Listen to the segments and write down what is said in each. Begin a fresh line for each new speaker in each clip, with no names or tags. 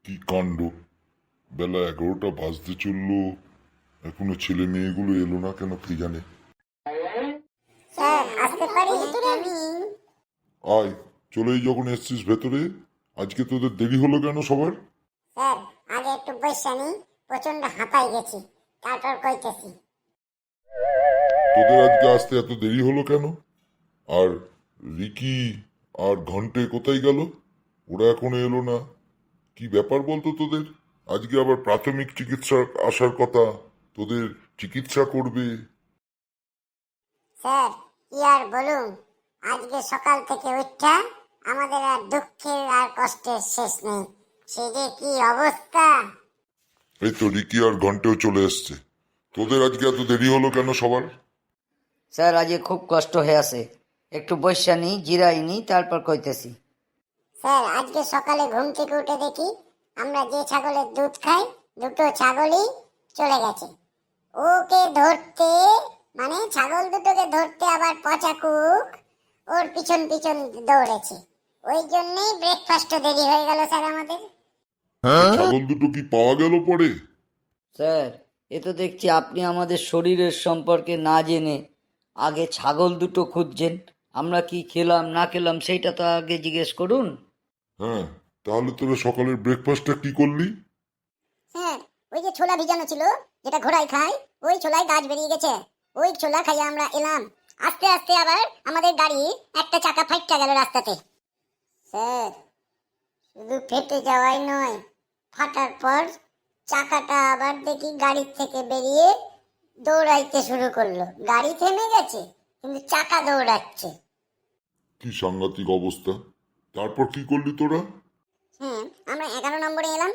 কি কাণ্ড! বেলা 11টা বাজতে চললো, এখনো ছেলে মেয়েগুলো এলো না কেন কে জানে।
স্যার আসতে পারি ভেতরে আমি?
আয়, চলেই যখন এসছিস ভেতরে। আজকে তোদের দেরি হলো কেন সবার?
স্যার আগে একটু বসে নি, প্রচন্ড হাঁপাই গেছি, তারপর কইতেছি।
তোদের আজকে আসতে এত দেরি হলো কেন? আর রিকি আর ঘন্টে কোথায় গেল? ওরা এখনো এলো না। কি ব্যাপার বলতো তোদের? আজকে আবার প্রাথমিক চিকিৎসা আসার কথা, তোদের চিকিৎসা করবে।
স্যার কি আর বলুন, আজকে সকাল থেকে উঠা আমাদের আর দুঃখের আর কষ্টের শেষ নেই। সে যে কি অবস্থা!
এই তো রিকি আর ঘন্টেও চলে এসছে। তোদের আজকে এত দেরি হলো কেন সবার?
স্যার আজকে খুব কষ্ট হয়ে আছে, একটু বসা নি জিরাই নি তারপর কইতেছি।
স্যার আজকে সকালে ঘুম থেকে উঠে দেখি আমরা যে ছাগলের দুধ খাই দুটো ছাগলই চলে গেছে। ওকে ধরতে, মানে ছাগল দুটোকে ধরতে আবার পচা কুক ওর পিছন পিছন দৌড়েছে। ওই জন্যই ব্রেকফাস্ট দেরি হয়ে গেল স্যার আমাদের।
ছাগল দুটো কি পাওয়া গেল পরে?
স্যার এ তো দেখছি আপনি আমাদের শরীরের সম্পর্কে না জেনে আগে ছাগল দুটো খুঁজছেন। আমরা কি খেলাম না খেলাম সেইটা তো আগে জিজ্ঞেস করুন।
হ্যাঁ, তাহলে তোরা সকালের ব্রেকফাস্টটা কি করলি?
স্যার ওই যে ছোলা ভিজানো ছিল, যেটা ঘোড়ায় খায়, ওই ছোলায় গাছ বেরিয়ে গেছে, ওই ছোলা খাইয়ে আমরা এলাম। আস্তে আস্তে আবার আমাদের গাড়ি একটা চাকা ফাইটটা গেল রাস্তাতে। স্যার শুধু ফেটে যাওয়াই নয়, ফাটার পর চাকাটা আবার দেখি গাড়ির থেকে বেরিয়ে দৌড়াইতে শুরু করলো। গাড়ি থেমে গেছে কিন্তু চাকা দৌড়াচ্ছে।
কি সাংঘাতিক অবস্থা! তারপর কি করলি তোরা?
হ্যাঁ, আমরা 11 নম্বরে এলাম।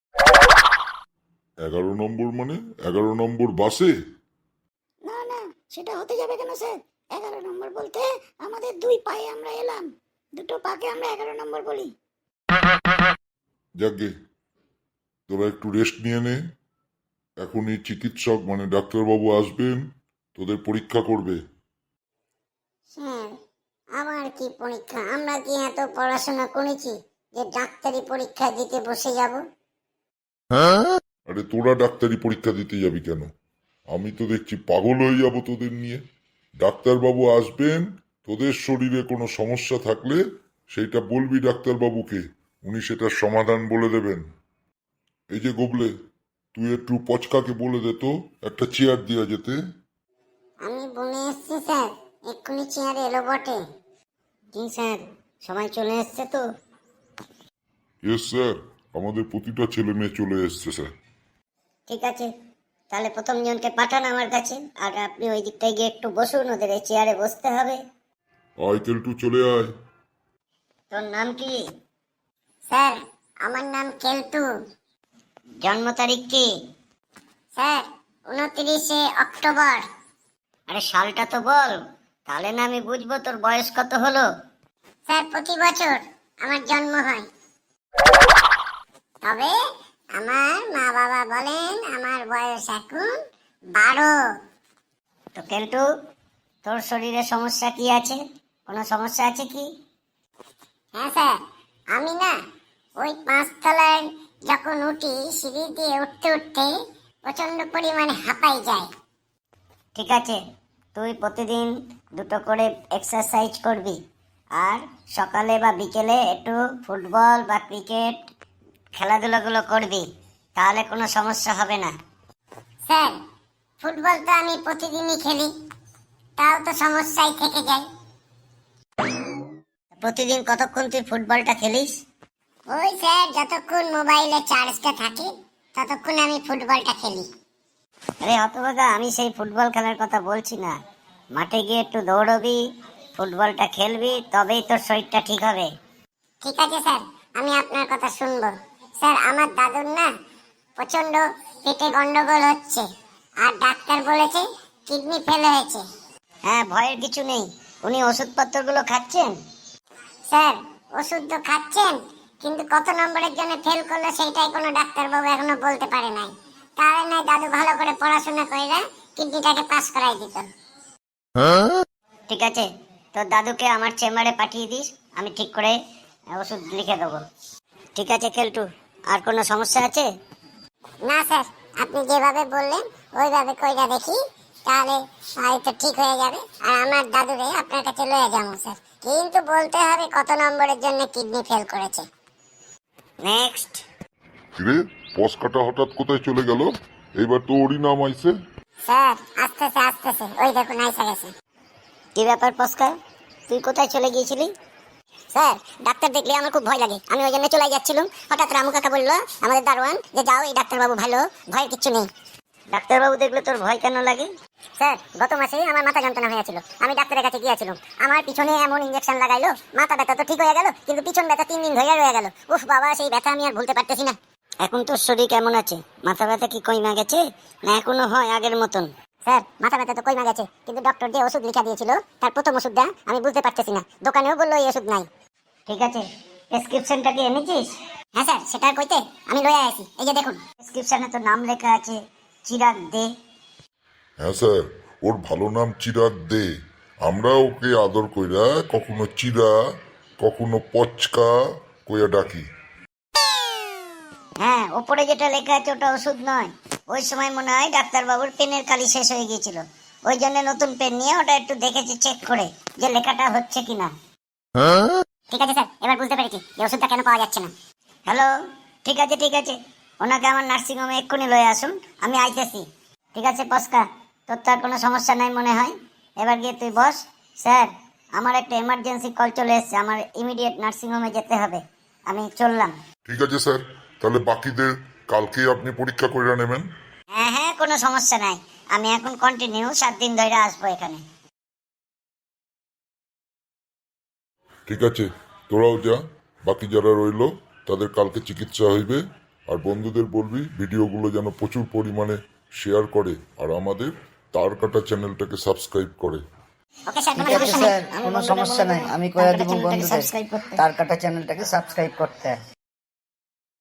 11 নম্বর মানে 11 নম্বর বাসে?
না না, সেটা হতে যাবে কেন স্যার? 11 নম্বর বলতে আমাদের দুই পায়ে আমরা এলাম, দুটো পাকে আমরা 11 নম্বর বলি।
যাকগে, তোরা একটু রেস্ট নিয়ে নে। এখনই চিকিৎসক মানে ডাক্তারবাবু আসবেন, তোদের পরীক্ষা করবে।
স্যার আমার কি পরীক্ষা? আমরা কি এত পড়াশোনা করেছি যে ডাক্তারি পরীক্ষা দিতে বসে যাব?
আরে তোরা ডাক্তারি পরীক্ষা দিতে যাবি কেন? আমি তো দেখছি পাগল হয়ে যাব তোদের নিয়ে। ডাক্তারবাবু আসবেন, তোদের শরীরে কোনো সমস্যা থাকলে সেইটা বলবি ডাক্তারবাবুকে, উনি সেটার সমাধান বলে দেবেন। এই যে গোবলে, তুই একটু পচকাকে বলে দে তো একটা চেয়ার দিয়া যেতে।
আমি বলে এসছি স্যার, এক্ষুনি চেয়ারে এলো বটে। জি স্যার, সবাই চলে এসছে তো?
ইয়েস স্যার, আমাদের প্রতিটা ছেলে মেয়ে চলে এসছে স্যার।
ঠিক আছে, তাহলে প্রথম জনকে পাঠান আমার কাছে, আর আপনি ওই দিকটায় গিয়ে একটু বসুন, ওদের এই চেয়ারে বসতে হবে।
আয় কেলটু, চলে আয়।
তোর নাম কি? স্যার আমার নাম কেলটু। জন্ম তারিখ কি? স্যার 29শে অক্টোবর। আরে সালটা তো বল, তাহলে না আমি বুঝবো তোর বয়স কত হলো। স্যার প্রতি বছর আমার জন্ম হয়, তবে আমার মা বাবা বলেন আমার বয়স এখন 12। তো কেলটু, তোর শরীরে সমস্যা কি আছে? কোনো সমস্যা আছে কি? হ্যাঁ স্যার, আমি না ওই 5 তলায় যখন উঠি, সিঁড়ি দিয়ে উঠতে উঠতে প্রচন্ড পরিমাণে হাঁপাই যায়। ঠিক আছে, তুই প্রতিদিন দুটো করে এক্সারসাইজ করবি, আর সকালে বা বিকেলে একটু ফুটবল বা ক্রিকেট খেলাধুলাগুলো করবি, তাহলে কোনো সমস্যা হবে না। স্যার ফুটবল তো আমি প্রতিদিনই খেলি, তাও তো সমস্যাই থেকে যায়। প্রতিদিন কতক্ষণ তুই ফুটবলটা খেলিস? ওই স্যার যতক্ষণ মোবাইলে চার্জটা থাকে ততক্ষণ আমি ফুটবলটা খেলি। আরে হতভাগা, আমি সেই ফুটবল খেলার কথা বলছি না। মাঠে গিয়ে একটু দৌড়বি, ফুটবলটা খেলবি, তবেই তোর শরীরটা ঠিক হবে। ঠিক আছে স্যার, আমি আপনার কথা শুনবো। স্যার আমার দাদুর না প্রচন্ড পেটে গন্ডগোল হচ্ছে, আর ডাক্তার বলেছে কিডনি ফেল হয়েছে। হ্যাঁ, ভয়ের কিছু নেই। উনি ওষুধপত্রগুলো খাচ্ছেন? স্যার ওষুধ তো খাচ্ছেন, কিন্তু কত নম্বরের জন্য ফেল করলো সেইটাই কোনো ডাক্তারবাবু এখনো বলতে পারে নাই। তাহলে নয় দাদু ভালো করে পড়াশোনা করে কিডনিটাকে পাস করাই দিত। ঠিক আছে, তোর দাদুকে আমার চেম্বারে পাঠিয়ে দিস, আমি ঠিক করে ওষুধ লিখে দেবো। ঠিক আছে কেলটু, আর কোনো সমস্যা আছে? না স্যার, আপনি যেভাবে বললেন ওইভাবে কইরা দেখি, তাহলে হয়তো ঠিক হয়ে যাবে। আর আমার দাদুরে আপনার কাছে লয়ে যাবো স্যার, কিন্তু বলতে হবে কত নম্বরের জন্য কিডনি ফেল করেছে। নেক্সট।
কিরে, পস্কাটা হঠাৎ কোথায় চলে গেল? এইবার তো ওরই নাম আইছে।
স্যার আসতেছে আসতেছে, ওই দেখুন আইসা গেছে। কি ব্যাপার পস্কা, তুই কোথায় চলে গিয়েছিলি? স্যার, ডাক্তার দেখলে আমার খুব ভয় লাগে, আমি ওই জন্য চলে যাচ্ছিলাম। হঠাৎ রামু কাকা বললো আমাদের দারোয়ান যে যাও, এই ডাক্তারবাবু ভালো, ভয়ের কিচ্ছু নেই। ডাক্তারবাবু দেখলে তোর ভয় কেন লাগে? স্যার, গত মাসে আমার মাথা যন্ত্রণা হয়েছিল, আমি ডাক্তারের কাছে গিয়েছিলাম। আমার পিছনে এমন ইঞ্জেকশন লাগাইলো, মাথা ব্যথা তো ঠিক হয়ে গেল, কিন্তু পিছন ব্যথা 3 দিন ধরে রয়ে গেল। উফ বাবা, সেই ব্যথা আমি আর ভুলতে পারতেছি না। এখন তোর শরীর কেমন আছে? মাথা ব্যথা কি কমে গেছে না এখনো হয় আগের মতন? স্যার, মাথা ব্যথা তো কমে গেছে, কিন্তু ডক্টর যে ওষুধ লিখা দিয়েছিল তার প্রথম ওষুধটা আমি বুঝতে পারতেছি না। দোকানেও বললো এই ওষুধ নাই। ঠিক আছে, প্রেসক্রিপশনটা কি এনেছিস? হ্যাঁ স্যার, সেটা কইতে আমি লয়ে আসি, এই যে দেখুন। প্রেসক্রিপশনে তো নাম লেখা আছে চিরাগ দে।
হ্যাঁ স্যার, ওর ভালো নাম চিরাগ দে। আমরা ওকে আদর কইরা কখনো চিরা, কখনো পচকা কইয়া ডাকি।
হ্যাঁ, ওপরে যেটা লেখা আছে ওটা ওষুধ নয়। ওই সময় মনে হয় ডাক্তারবাবুর পেনের কালি শেষ হয়ে গিয়েছিল, ওই জন্য নতুন পেন নিয়ে ওটা একটু দেখেছি চেক করে যে লেখাটা হচ্ছে কিনা। ঠিক আছে স্যার, এবার বুঝতে পেরেছি যে ওষুধটা কেন পাওয়া যাচ্ছে না। হ্যালো, ঠিক আছে ঠিক আছে, ওনাকে আমার নার্সিংহোমে এক্ষুনি লয়ে আসুন, আমি আইতেছি। ঠিক আছে পস্কা, তোর তো আর কোনো সমস্যা নাই মনে হয়, এবার গিয়ে তুই বস। স্যার, আমার একটা এমার্জেন্সি কল চলে এসেছে, আমার ইমিডিয়েট নার্সিংহোমে যেতে হবে, আমি চললাম।
ঠিক আছে স্যার, তাহলে বাকিদের কালকেই আপনি পরীক্ষা কইরা নেবেন।
হ্যাঁ হ্যাঁ, কোনো সমস্যা নাই, আমি এখন কন্টিনিউ 7 দিন ধরে আসবো এখানে।
ঠিক আছে, তোরাও যা, বাকি যারা রইলো তাদের কালকে চিকিৎসা হইবে। আর বন্ধুদের বলবি ভিডিওগুলো যেন প্রচুর পরিমাণে শেয়ার করে, আর আমাদের তার কাটা চ্যানেলটাকে সাবস্ক্রাইব করে।
ওকে স্যার,
ঠিক আছে স্যার, কোনো সমস্যা নাই, আমি কয়া দিব বন্ধুদের তার কাটা চ্যানেলটাকে সাবস্ক্রাইব করতে।